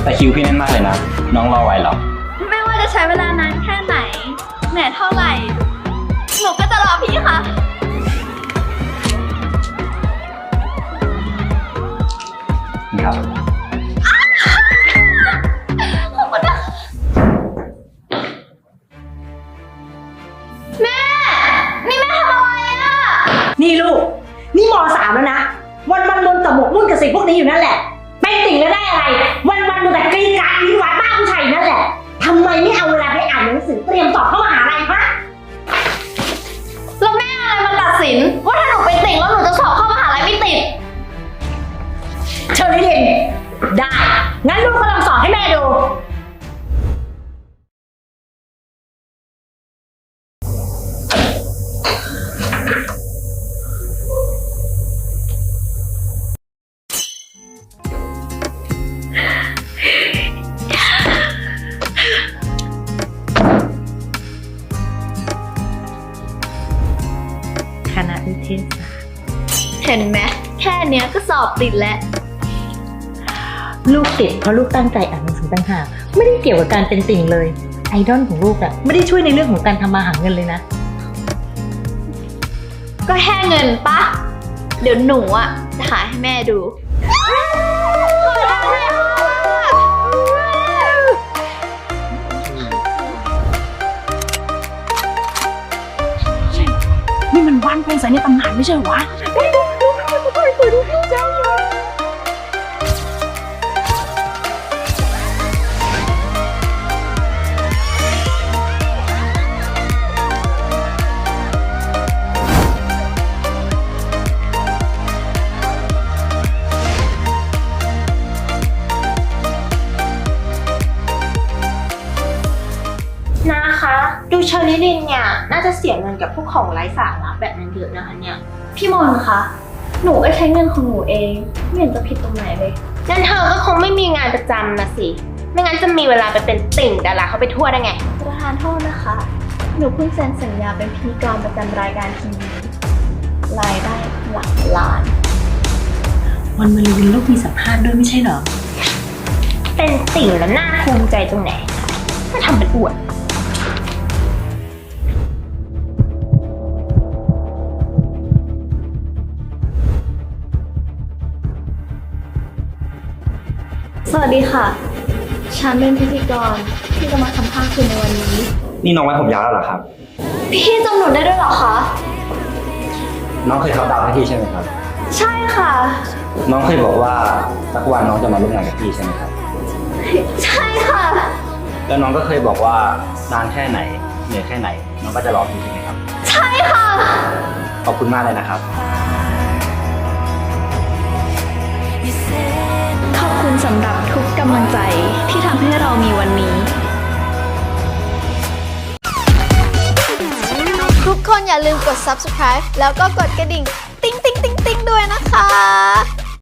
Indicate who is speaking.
Speaker 1: แต่คิวพี่แน่นมากเลยนะ น้องรอไหวเหรอ
Speaker 2: ไม่ว่าจะใช้เวลานานแค่ไหนเหนื่อยเท่าไหร่ หนูก็จะรอพี่ค่ะ
Speaker 1: นี่ครับ
Speaker 2: ขอบคุณนะแม่ นี่แม่ทำอะไรอ่ะ
Speaker 3: นี่ลูก นี่ม.3แล้วนะ วันบนแต่หมกมุ่นกับสิ่งพวกนี้อยู่นั่นแหละ เป็นติ่งแล้วได้อะไร วันดูแต่กรีดกราดยิ้มหวานบ้าผู้ชายอยู่นั่นแหละทำไมไม่เอาเวลาไปอ่านหนังสือเตรียมสอบเข้ามหาลัยฮะ
Speaker 2: แล้วแม่อะไรมาตัดสิน ว่าถ้าหนูไปติ่งแล้วหนูจะสอบเข้ามหาลัยไม่ติด
Speaker 3: เชอรี่ลินได้ งั้นลูกก็ลองสอบให้แม่ดู คณะวิทยาศาสตร์
Speaker 2: เห็นไหมแค่เนี้ยก็สอบติดแล้ว
Speaker 3: ลูกติดเพราะลูกตั้งใจอ่านหนังสือต่างหากไม่ได้เกี่ยวกับการเป็นติ่งเลย ไอดอลของลูกอะไม่ได้ช่วยในเรื่องของการทำมาหาเงินเลยนะ
Speaker 2: ก็แค่เงินปะ เดี๋ยวหนูอ่ะจะหาให้แม่ดู
Speaker 4: นี่มันวันเพลงสายในตำนานไม่ใช่เหรอวะ
Speaker 5: นะคะดูเชอรี่ลินเนี่ยน่าจะเสียเงินกับพวกของไร้สาระแบบนั้นเยอะนะคะเนี่ย
Speaker 2: พี่มนต์คะ หนูก็ใช้เงินของหนูเอง ไม่เห็นจะผิดตรงไหนเลย
Speaker 5: งั้นเธอก็คงไม่มีงานประจำนะสิ ไม่งั้นจะมีเวลาไปเป็นติ่งดาราเขาไปทั่วได้ไง
Speaker 2: ประธานโทษนะคะ หนูเพิ่งเซ็นสัญญาเป็นพิธีกรประจำรายการทีวีรายได้หลักล้าน
Speaker 3: วันมะรืนลูกมีสัมภาษณ์ด้วยไม่ใช่เหรอ
Speaker 5: เป็นติ่งแล้วน่าภูมิใจตรงไหนมาทำเป็นอวด
Speaker 2: สวัสดีค่ะ ฉันเป็นพิธีกรที่จะมาสัมภาษณ์คุณในวันนี้
Speaker 1: นี่น้องไว้ผมยาวแล้วเหรอครับ
Speaker 2: พี่จำหนูได้ด้วยเหรอคะ
Speaker 1: น้องเคยเขาดาวน์ให้พี่ใช่ไหมครับ
Speaker 2: ใช่ค่ะ
Speaker 1: น้องเคยบอกว่าสักวันน้องจะมาร่วมงานกับพี่ใช่ไหมครับ
Speaker 2: ใช่ค่ะ
Speaker 1: แล้วน้องก็เคยบอกว่านานแค่ไหนเหนื่อยแค่ไหน น้องก็จะรอพี่ใช่ไหมครับ
Speaker 2: ใช่ค่ะ
Speaker 1: ขอบคุณมากเลยนะครับ
Speaker 2: ขอบคุณสำหรับทุกกำลังใจที่ทำให้เรามีวันนี้
Speaker 6: ทุกคนอย่าลืมกด subscribe แล้วก็กดกระดิ่ง ติ๊งติ๊งติ๊งติ๊งด้วยนะคะ